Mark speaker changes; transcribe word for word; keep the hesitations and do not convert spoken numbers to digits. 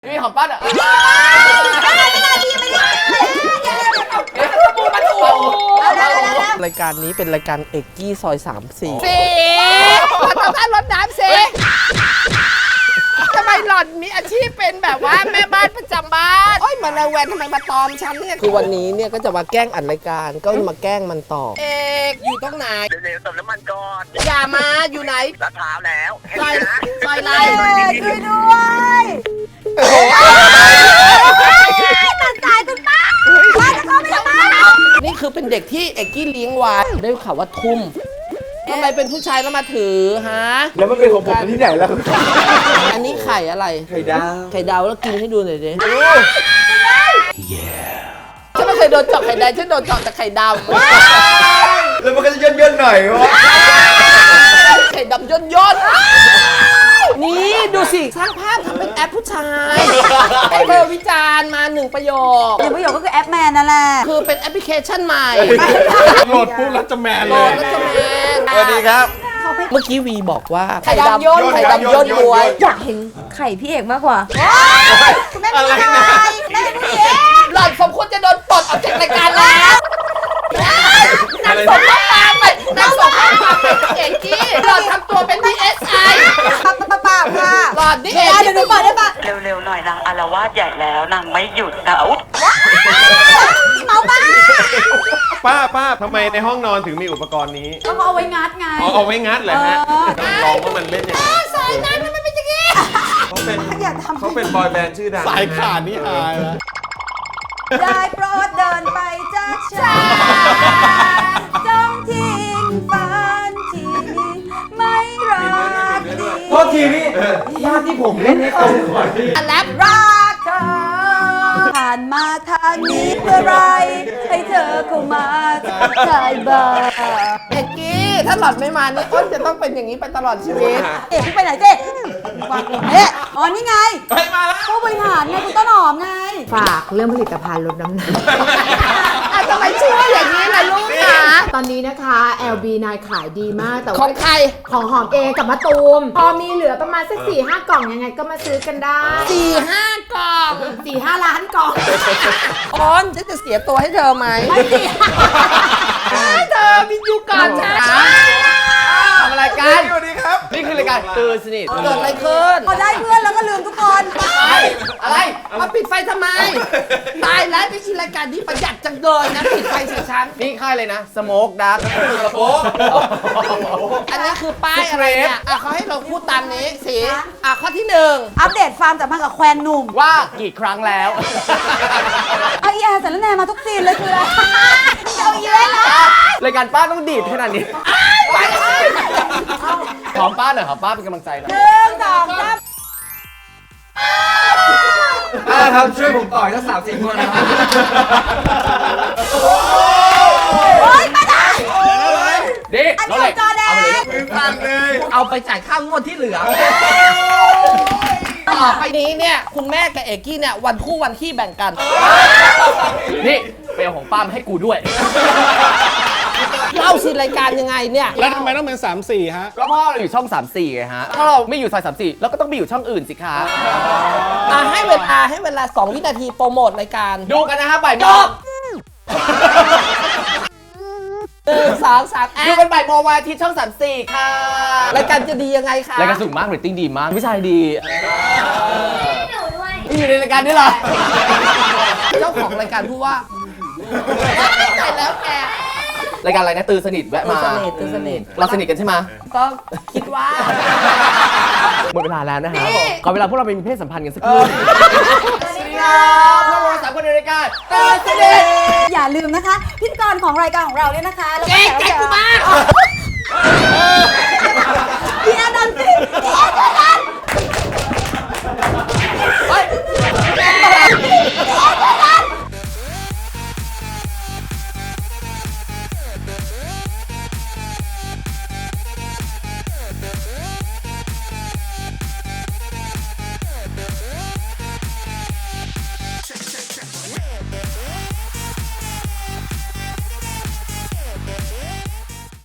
Speaker 1: มีหอมป้าเหรอรายการนี้เป็นรายการเอกกี้ซอยสามสี่สีมาทำท่ารดน้ำสิทำไมหล่อนมีอาชีพเป็นแบบว่าแม่บ้านประจำบ้านโอ้ยมาระแวงทำไมมาตอมฉันเนี่ยคือวันนี้เนี่ยก็จะมาแกล้งอัดรายการก็มาแกล้งมันต่อเอกอยู่ตรงไหน
Speaker 2: เร็วๆเติมน้ำมันก่อน
Speaker 1: อย่ามาอยู่ไหน
Speaker 2: ลาดพร้าวแล้ว
Speaker 1: ซอยซอยไร
Speaker 3: ช่วยด้วยตัดสายคุณป้าป้าจะเข้าไปทำไม
Speaker 1: นี่คือเป็นเด็กที่เอกกี้เลี้ยงไว้ได้ข่าวว่าทุ่มทำไมเป็นผู้ชายแล้วมาถือฮะ
Speaker 4: แล้วมันเป็นของผมที่ไหนแล้ว
Speaker 1: อันนี้ไข่อะไร
Speaker 4: ไข่ดาว
Speaker 1: ไข่ดาวแล้วกินให้ดูหน่อยดิฉันไม่เคยโดนเจาะไข่แดงฉันโดนเจาะแต่ไข่ดำ
Speaker 4: แล้วมันก็จะย่นๆหน่อยวะ
Speaker 1: ไข่ดำย่นย่นนี่ดูสิสร้างภาพทำเป็นแอปผู้ชายให้เธอวิจารณ์มาหนึ่งประโยค
Speaker 3: หนึ่งประโยคก็คือแอปแมนนั่นแหละ
Speaker 1: คือเป็นแอปพลิเคชันใหม่
Speaker 4: โหลดปุ๊บแล้วจะแมนเลย
Speaker 1: แล้วจะแมน
Speaker 4: สวัสดีครับ
Speaker 1: เมื่อกี้วีบอกว่าไข่ดำย่นไข่ดำย่นบวย
Speaker 3: อยากเห็นไข่พี่เอกมากกว่าแม่ผู้ชายแม่ผู้หญิง
Speaker 1: หล่อนสมควรจะโดนปลดออกจากรายการแล้วนางส่งข้อความไปนางส่งข้อความไปเอกกี้หล่อนทำตัวเป็น ดี เอส ไอ
Speaker 3: ป้าป้าป้าค่ะ
Speaker 1: หล่อนนี่เอง
Speaker 3: เดี๋ยวหนูบอกได้ปะ
Speaker 2: เร็วๆหน่อยนางอารวาสใหญ่แล้วนางไม่หยุดนะอุ๊ย
Speaker 3: เมาป้า
Speaker 4: ป้าป้าทำไมในห้องนอนถึงมีอุปกรณ์นี้
Speaker 3: ก็เอาไว้งัดไง
Speaker 4: อ๋อเอาไว้งัดเหรอฮะลองว่ามันเล่นยังไง
Speaker 1: สายน้ำมันเป็นอย่างนี้
Speaker 4: เขาเป็นเขาเป็นบอยแบนด์ชื่อดัง
Speaker 5: สายขาดนี่อายนะ
Speaker 3: ได้โปรดเดินไปจากฉันจงทิ้งฝันที่ไม่รักดี
Speaker 4: โทษทีพี่ญาติที่ผมเล่นให้ตรงก่อนพี่
Speaker 1: แลบ
Speaker 3: รักเธอผ่านมาทางนี้เมื่อไรให้เธอเข้ามาทักทายบ้าง
Speaker 1: เอกกี้ถ้าหล่อนไม่มานี่อ้นจะต้องเป็นอย่างนี้ไปตลอดชีวิต
Speaker 3: เอ๊ะพี่ไปไหนเจ๊วางเอ๊ะอ๋อนี่ไง
Speaker 4: ไปมาแล้ว
Speaker 3: ผู้บริหารไงคุณต้นหอมไง
Speaker 6: ฝากเรื่องผลิตภัณฑ์ลดน้ำหนัก
Speaker 1: ทำไมชื่ออย่างนี้ล่ะลูกคะ
Speaker 6: ตอนนี้นะคะ แอล บี ไนน์ ขายดีมากแต่ว่า
Speaker 1: ของใคร
Speaker 6: ของหอมเองกับมะตูมพอมีเหลือประมาณสักสี่ห้ากล่องยังไงก็มาซื้อกันได้
Speaker 1: สี่ห้ากล่อง
Speaker 6: สี่ห้าล้านกล่อง
Speaker 1: อ้นฉันจะเสียตัวให้เธอไหม
Speaker 6: ไม่เสีย
Speaker 1: เธอมีอยู่ก่อนฉันทำอะไรกัน
Speaker 4: สวัสดีครับ
Speaker 1: นี่คือรายการตื่นสนิทเกิดอะไรขึ้น
Speaker 3: พอได้เพื่อนแล้วก็ลืมทุกคน
Speaker 1: อะไรมาปิดไฟทำไมตายแล้วนี่คือรายการนี้ประหยัดจังเลยนะปิดไฟใส่ฉันนี่ค่ายเลยนะสโมกดักสโมกอันนี้คือป้ายอะไรเนี่ยอ่ะเขาให้เราพูดตามนี้สิอ่ะข้อที่หนึ่ง
Speaker 3: อัปเดตความสัมพันธ์กับแควนหนุ่ม
Speaker 1: ว่ากี่ครั้งแล้ว
Speaker 3: ไอแอร์สารแนมาทุกซีนเลยคืออะไรเอาเยอะเลย
Speaker 1: รายการป้าต้องดีดขนาดนี้ไปหอมป้าหน่อยหอมป้าเป็นกำลังใจหน่อย
Speaker 3: หนึ่งสองสาม
Speaker 4: ป้าครับช่วยผมต่อยทั้งสามสี่คนนะครับ
Speaker 3: โอ๊ยป้าได้
Speaker 1: ดิ
Speaker 3: อันนี้จอแดง
Speaker 4: ฟังเลย
Speaker 1: เอาไปจ่ายค่างวดที่เหลือต่อไปนี้เนี่ยคุณแม่กับเอกกี้เนี่ยวันคู่วันขี้แบ่งกันนี่ไปเอาของป้ามาให้กูด้วยเล่าสิรายการยังไงเนี่ย
Speaker 5: แล้วทำไมต้องเป็นสามสี่ฮะ
Speaker 1: ก็พ่อเราอยู่ช่องสามสี่ไงฮะถ้าเราไม่อยู่ซอยสามสี่เราก็ต้องไปอยู่ช่องอื่นสิคะอ่ะให้เวลาให้เวลาสองวินาทีโปรโมทรายการดูกันนะฮะบ่ายโมงหนึ่งสองสามดูกันบ่ายโมงวันอาทิตย์ช่องสามสี่ค่ะรายการจะดียังไงคะรายการสนุกมากเรตติ้งดีมากวิชัยดีอยู่ในรายการนี้เหรอเจ้าของรายการพูดว่าใจแล้วแกรายการอะไรนะตื่นสนิทแวะมาตื่นสนิทตื่นสนิทเราสนิทกันใช่ไหมก็คิดว่าหมดเวลาแล้วนะฮะขอเวลาพวกเราไปมีเพศสัมพันธ์กันสักครู่สวัสดีครับพวกเราสามคนในรายการตื่นสนิท
Speaker 3: อย่าลืมนะคะพิธีกรของรายการของเราเนี่ยนะคะ
Speaker 1: แกแกกูมา